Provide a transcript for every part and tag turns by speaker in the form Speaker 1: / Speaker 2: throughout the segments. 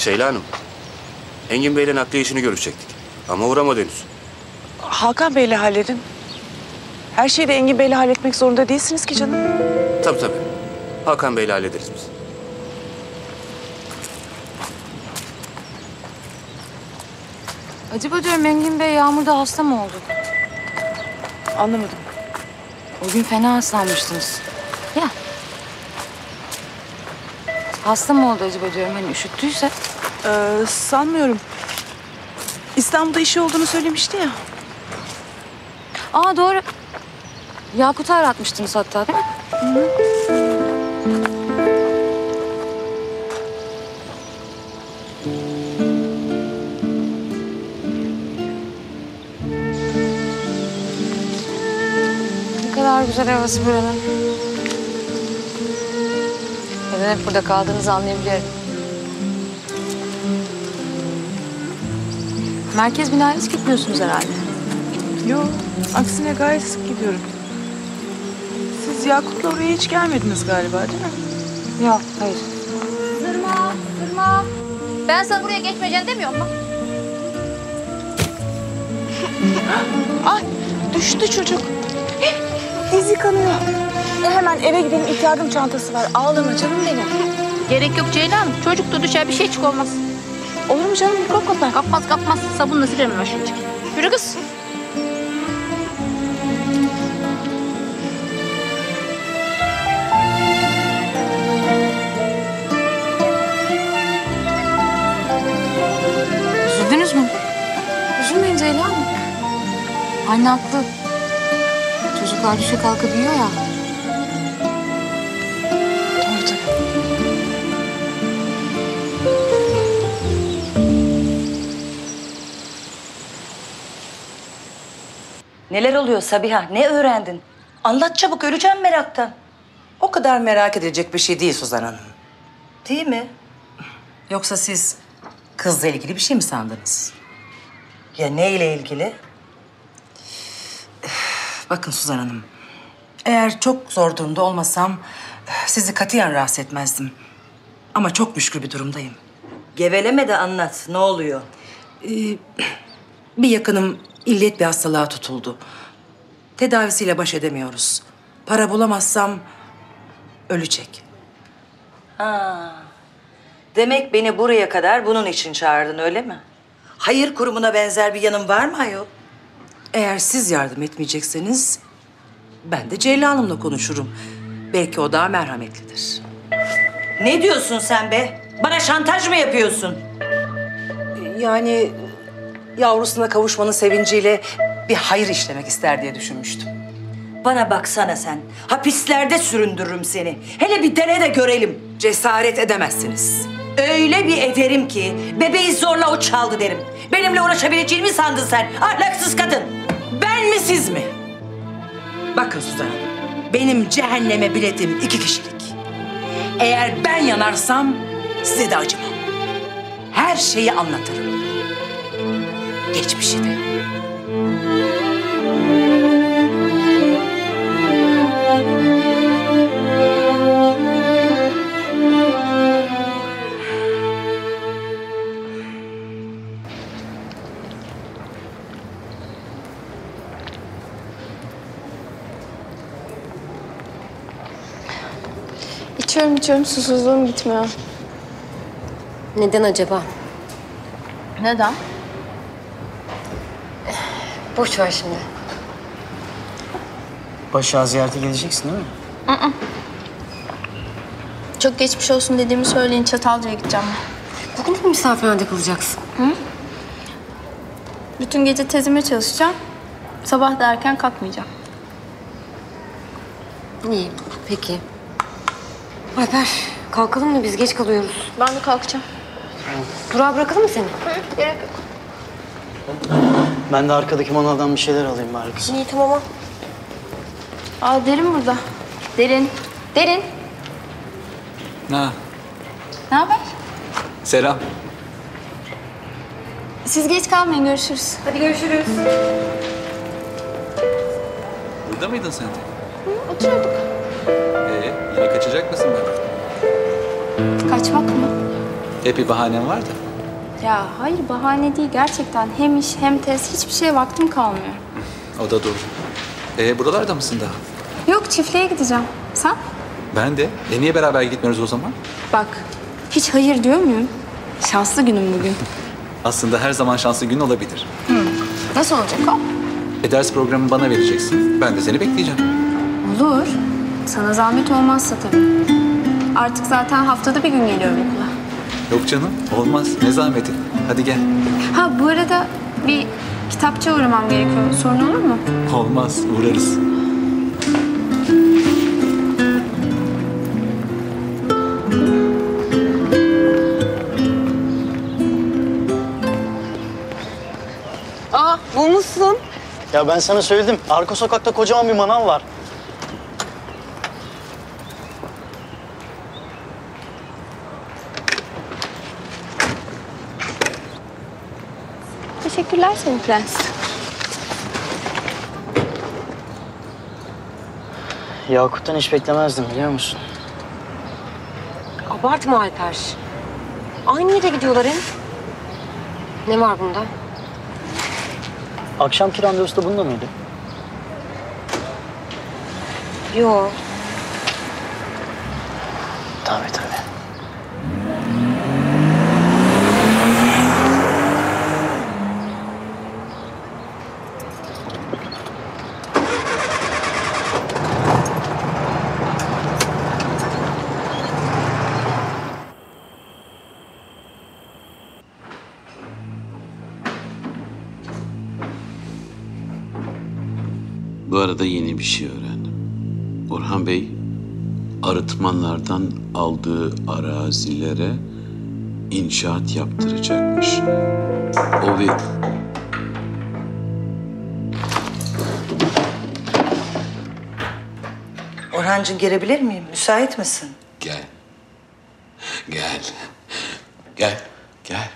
Speaker 1: Şeyla Hanım, Engin Bey'le nakliye işini görüşecektik. Ama uğramadı henüz.
Speaker 2: Hakan Bey'le halledin. Her şeyi de Engin Bey'le halletmek zorunda değilsiniz ki canım.
Speaker 1: Tabii tabii. Hakan Bey'le hallederiz biz.
Speaker 3: Acaba diyorum Engin Bey Yağmur'da hasta mı oldu?
Speaker 2: Anlamadım.
Speaker 3: O gün fena hastalanmıştınız. Ya. Hasta mı oldu acaba diyorum hani üşüttüyse?
Speaker 2: Sanmıyorum. İstanbul'da işi olduğunu söylemişti ya.
Speaker 3: Aa doğru. Yakut'u aratmıştınız hatta değil mi? Ne kadar güzel havası buranın. Neden hep burada kaldığınızı anlayabiliyorum. Merkez binaya hiç gitmiyorsunuz herhalde.
Speaker 2: Yok, aksine gayet sık gidiyorum. Siz Yakup'la oraya hiç gelmediniz galiba değil mi?
Speaker 3: Yok, hayır.
Speaker 4: Sırma. Ben sana buraya geçmeyeceksin demiyorum mu?
Speaker 2: Ay, düştü çocuk. Dizi kanıyor. Hemen eve gidelim, ilk yardım çantası var. Ağlama canım benim.
Speaker 4: Gerek yok Ceylan. Çocuk da düşer bir şey çık olmaz.
Speaker 2: Olur mu canım, mikrop kapar.
Speaker 4: Kapmaz. Sabunla silerim ben şimdi. Yürü kız.
Speaker 3: Üzüldünüz mü? Üzülmeyin Ceylan Hanım. Anne haklı. Çocuklar düşe kalka büyüyor ya.
Speaker 2: Doğru tabii.
Speaker 5: Neler oluyor Sabiha? Ne öğrendin? Anlat çabuk, öleceğim meraktan.
Speaker 6: O kadar merak edilecek bir şey değil Suzan Hanım.
Speaker 5: Değil mi?
Speaker 6: Yoksa siz kızla ilgili bir şey mi sandınız?
Speaker 5: Ya neyle ilgili?
Speaker 6: Bakın Suzan Hanım, eğer çok zor durumda olmasam sizi katiyen rahatsız etmezdim. Ama çok müşkül bir durumdayım.
Speaker 5: Geveleme de anlat, ne oluyor?
Speaker 6: Bir yakınım illet bir hastalığa tutuldu. Tedavisiyle baş edemiyoruz. Para bulamazsam ölecek.
Speaker 5: Demek beni buraya kadar bunun için çağırdın, öyle mi? Hayır kurumuna benzer bir yanın var mı ayol?
Speaker 6: Eğer siz yardım etmeyecekseniz ben de Ceyla Hanım'la konuşurum. Belki o daha merhametlidir.
Speaker 5: Ne diyorsun sen be? Bana şantaj mı yapıyorsun?
Speaker 6: Yani yavrusuna kavuşmanın sevinciyle bir hayır işlemek ister diye düşünmüştüm.
Speaker 5: Bana baksana sen. Hapislerde süründürürüm seni. Hele bir dene de görelim.
Speaker 6: Cesaret edemezsiniz.
Speaker 5: Öyle bir ederim ki bebeği zorla o çaldı derim. Benimle uğraşabileceğini mi sandın sen? Ahlaksız kadın. Ben mi siz mi?
Speaker 6: Bakın Suzan Hanım, benim cehenneme biletim 2 kişilik. Eğer ben yanarsam size de acımam. Her şeyi anlatırım. Geçmişi de.
Speaker 7: İçiyorum, susuzluğum gitmiyor.
Speaker 8: Neden acaba?
Speaker 7: Neden?
Speaker 8: Boş ver şimdi.
Speaker 9: Başak'ı ziyarete geleceksin değil mi?
Speaker 7: Çok geçmiş olsun dediğimi söyleyin, Çatalca'ya gideceğim ben.
Speaker 8: Bugün de mi misafirhanede kalacaksın?
Speaker 7: Bütün gece tezime çalışacağım. Sabah da erken kalkmayacağım.
Speaker 8: İyi, peki. Alper, kalkalım mı? Biz geç kalıyoruz.
Speaker 7: Ben de kalkacağım.
Speaker 8: Durağa bırakalım mı seni?
Speaker 7: Gerek yok.
Speaker 9: Ben de arkadaki manavdan bir şeyler alayım bari kızım.
Speaker 8: İyi, tamam.
Speaker 7: Aa, Derin burada. Derin.
Speaker 10: Ha,
Speaker 7: Ne haber?
Speaker 10: selam.
Speaker 7: Siz geç kalmayın, görüşürüz.
Speaker 8: Hadi görüşürüz.
Speaker 10: Burada mıydın sen de?
Speaker 7: Oturuyorduk.
Speaker 10: Yine kaçacak mısın benden?
Speaker 7: Kaçmak mı?
Speaker 10: Hep bir bahanem var da.
Speaker 7: Ya hayır bahane değil gerçekten. Hem iş hem test hiçbir şeye vaktim kalmıyor.
Speaker 10: O da doğru. Buralarda mısın daha?
Speaker 7: Yok çiftliğe gideceğim. Sen?
Speaker 10: Ben de. Niye beraber gitmiyoruz o zaman?
Speaker 7: Bak hiç hayır diyor muyum? Şanslı günüm bugün.
Speaker 10: Aslında her zaman şanslı gün olabilir.
Speaker 7: Nasıl olacak o?
Speaker 10: Ders programını bana vereceksin. Ben de seni bekleyeceğim.
Speaker 7: Olur. Sana zahmet olmazsa tabii. Artık zaten haftada bir gün geliyorum okula.
Speaker 10: Yok canım, olmaz. Ne zahmeti. Hadi gel.
Speaker 7: Ha bu arada bir kitapçıya uğramam gerekiyor. Sorun olur mu?
Speaker 10: Olmaz, uğrarız.
Speaker 2: Aa bulmuşsun.
Speaker 9: Ya ben sana söyledim. Arka sokakta kocaman bir manav var.
Speaker 7: Teşekkürler senin prens.
Speaker 9: Yakut'tan hiç beklemezdim biliyor musun?
Speaker 8: Abartma Alper. Aynı yere gidiyorlar hem. Ne var bunda?
Speaker 9: Akşamki randevusu da bunda mıydı?
Speaker 8: Yo.
Speaker 9: Tabii tabii.
Speaker 11: Bu arada yeni bir şey öğrendim. Orhan Bey, arıtmanlardan aldığı arazilere inşaat yaptıracakmış. O bir...
Speaker 5: Orhancığım gelebilir miyim? Müsait misin?
Speaker 11: Gel. Gel. Gel. Gel.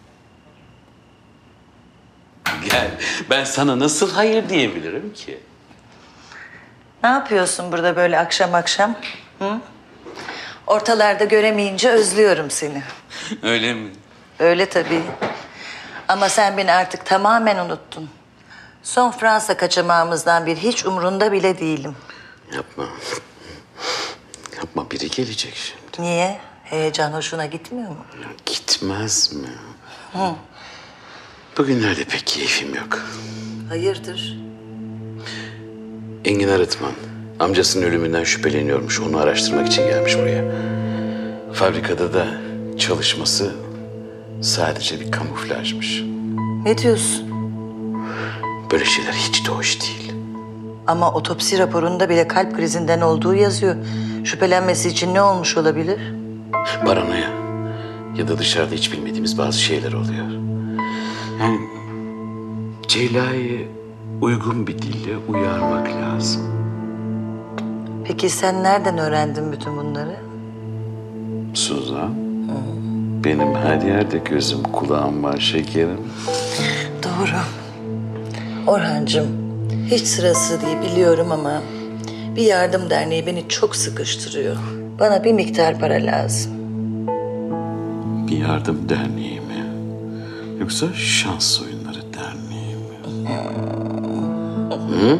Speaker 11: Gel. Ben sana nasıl hayır diyebilirim ki?
Speaker 5: Ne yapıyorsun burada böyle akşam akşam? Hı? Ortalarda göremeyince özlüyorum seni.
Speaker 11: Öyle mi?
Speaker 5: Öyle tabii. Ama sen beni artık tamamen unuttun. Son Fransa kaçamağımızdan bir hiç umrunda bile değilim.
Speaker 11: Yapma. Yapma, biri gelecek şimdi.
Speaker 5: Niye? Heyecan hoşuna gitmiyor mu?
Speaker 11: Ya gitmez mi?
Speaker 5: Hı.
Speaker 11: Bugünlerde pek keyfim yok.
Speaker 5: Hayırdır?
Speaker 11: Engin Arıtman, amcasının ölümünden şüpheleniyormuş. Onu araştırmak için gelmiş buraya. Fabrikada da çalışması sadece bir kamuflajmış.
Speaker 5: Ne diyorsun?
Speaker 11: Böyle şeyler hiç de hoş değil.
Speaker 5: Ama otopsi raporunda bile kalp krizinden olduğu yazıyor. Şüphelenmesi için ne olmuş olabilir?
Speaker 11: Paranoya ya da dışarıda hiç bilmediğimiz bazı şeyler oluyor. Yani Ceyla'yı uygun bir dille uyarmak lazım.
Speaker 5: Peki sen nereden öğrendin bütün bunları?
Speaker 11: Suzan, benim her yerde gözüm kulağım var şekerim.
Speaker 5: Doğru. Orhancığım, hiç sırası değil biliyorum ama bir yardım derneği beni çok sıkıştırıyor. Bana bir miktar para lazım.
Speaker 11: Bir yardım derneği mi? Yoksa şans oyunları derneği mi? Hı?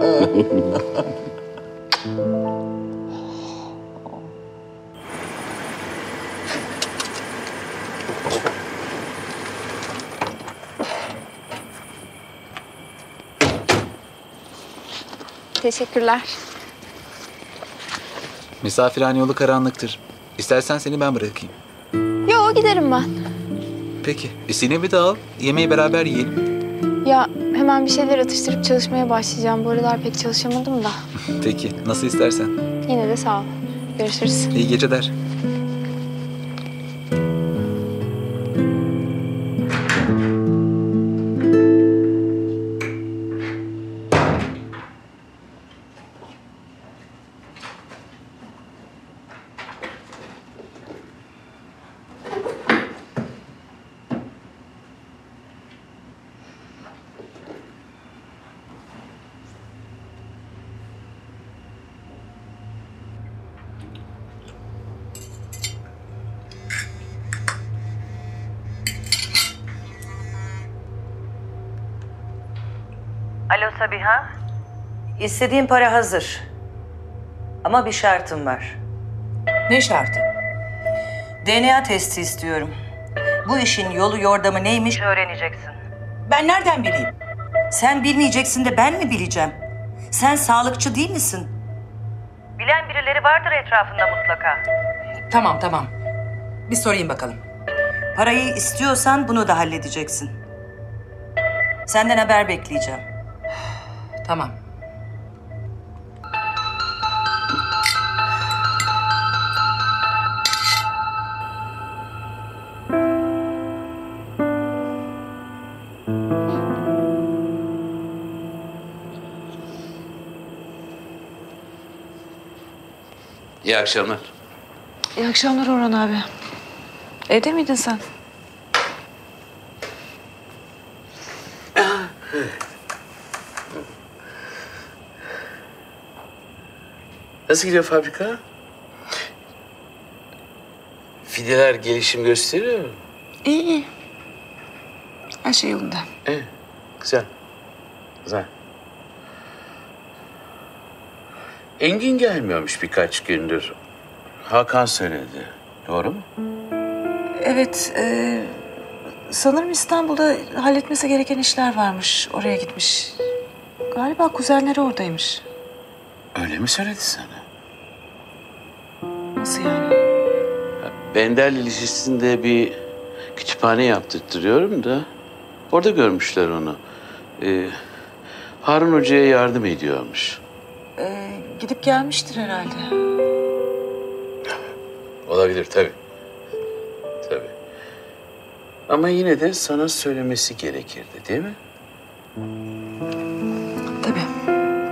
Speaker 7: Teşekkürler.
Speaker 10: Misafirhane yolu karanlıktır. İstersen seni ben bırakayım.
Speaker 7: Yo giderim ben.
Speaker 10: Peki, Sinem'i de al. Yemeği beraber yiyelim.
Speaker 7: Ya hemen bir şeyler atıştırıp çalışmaya başlayacağım. Bu aralar pek çalışamadım da.
Speaker 10: Peki, nasıl istersen.
Speaker 7: Yine de sağ ol. Görüşürüz.
Speaker 10: İyi geceler.
Speaker 5: Alo Sabiha. İstediğim para hazır. Ama bir şartım var.
Speaker 6: Ne şartı?
Speaker 5: DNA testi istiyorum. Bu işin yolu yordamı neymiş öğreneceksin.
Speaker 6: Ben nereden bileyim?
Speaker 5: Sen bilmeyeceksin de ben mi bileceğim? Sen sağlıkçı değil misin? Bilen birileri vardır etrafında mutlaka.
Speaker 6: Tamam. Bir sorayım bakalım.
Speaker 5: Parayı istiyorsan bunu da halledeceksin. Senden haber bekleyeceğim.
Speaker 6: Tamam.
Speaker 11: İyi akşamlar.
Speaker 2: İyi akşamlar Orhan abi. Evde miydin sen?
Speaker 11: Nasıl gidiyor fabrika? Fideler gelişim gösteriyor mu?
Speaker 2: İyi. Her şey yolunda.
Speaker 11: Evet, güzel. Güzel. Engin gelmiyormuş birkaç gündür. Hakan söyledi. Doğru mu?
Speaker 2: Evet. Sanırım İstanbul'da halletmesi gereken işler varmış. Oraya gitmiş. Galiba kuzenleri oradaymış.
Speaker 11: Öyle mi söyledi sana?
Speaker 2: Nasıl yani?
Speaker 11: Bender'le Lisesi'nde bir kütüphane yaptırtırıyorum da orada görmüşler onu. Harun Hoca'ya yardım ediyormuş.
Speaker 2: Gidip gelmiştir herhalde.
Speaker 11: Olabilir tabii. Tabii. Ama yine de sana söylemesi gerekirdi değil mi?
Speaker 2: Tabii.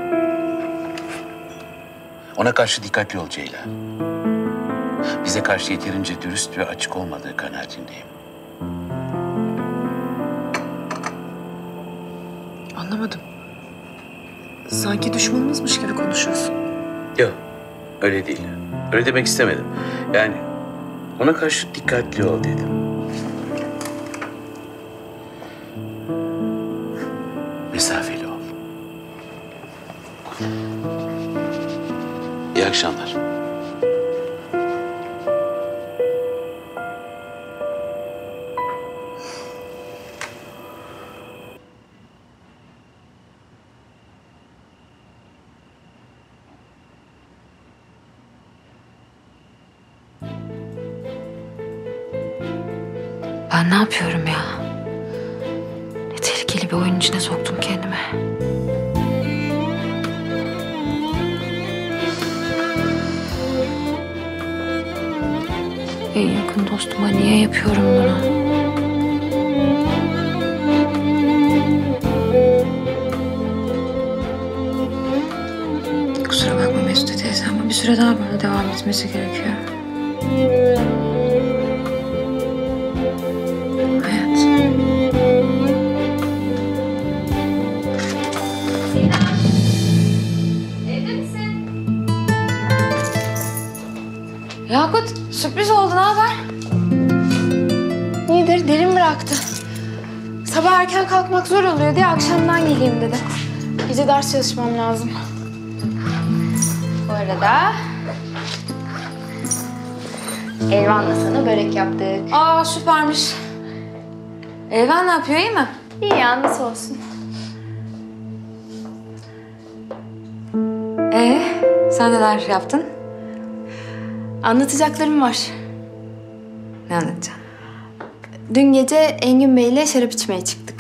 Speaker 11: Ona karşı dikkatli ol Ceylan. Bize karşı yeterince dürüst ve açık olmadığı kanaatindeyim.
Speaker 2: Anlamadım. Sanki düşmanımızmış gibi konuşuyorsun.
Speaker 11: Yok, öyle değil. Öyle demek istemedim. Yani ona karşı dikkatli ol dedim. Mesafeli ol. İyi akşamlar.
Speaker 3: Ben ne yapıyorum ya? Ne tehlikeli bir oyun içine soktum kendimi. En yakın dostuma niye yapıyorum bunu? Kusura bakma Mesut teyze ama bir süre daha böyle devam etmesi gerekiyor. Yakut, sürpriz oldu. Ne haber?
Speaker 7: İyidir, derin bıraktı. Sabah erken kalkmak zor oluyor diye akşamdan geleyim dedi. Gece ders çalışmam lazım. Bu arada... Elvan'la sana börek yaptık.
Speaker 3: Aa, süpermiş. Elvan ne yapıyor, iyi mi?
Speaker 7: İyi ya, nasıl olsun.
Speaker 3: Sen neler yaptın?
Speaker 7: Anlatacaklarım var.
Speaker 3: Ne anlatacaksın?
Speaker 7: Dün gece Engin Bey'le şarap içmeye çıktık.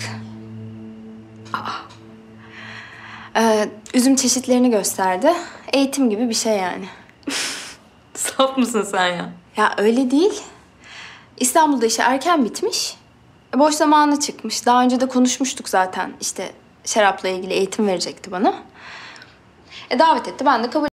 Speaker 7: Üzüm çeşitlerini gösterdi. Eğitim gibi bir şey yani.
Speaker 3: Saf mısın sen ya?
Speaker 7: Ya öyle değil. İstanbul'da işi erken bitmiş. Boş zamanı çıkmış. Daha önce de konuşmuştuk zaten. İşte şarapla ilgili eğitim verecekti bana. Davet etti. Ben de kabul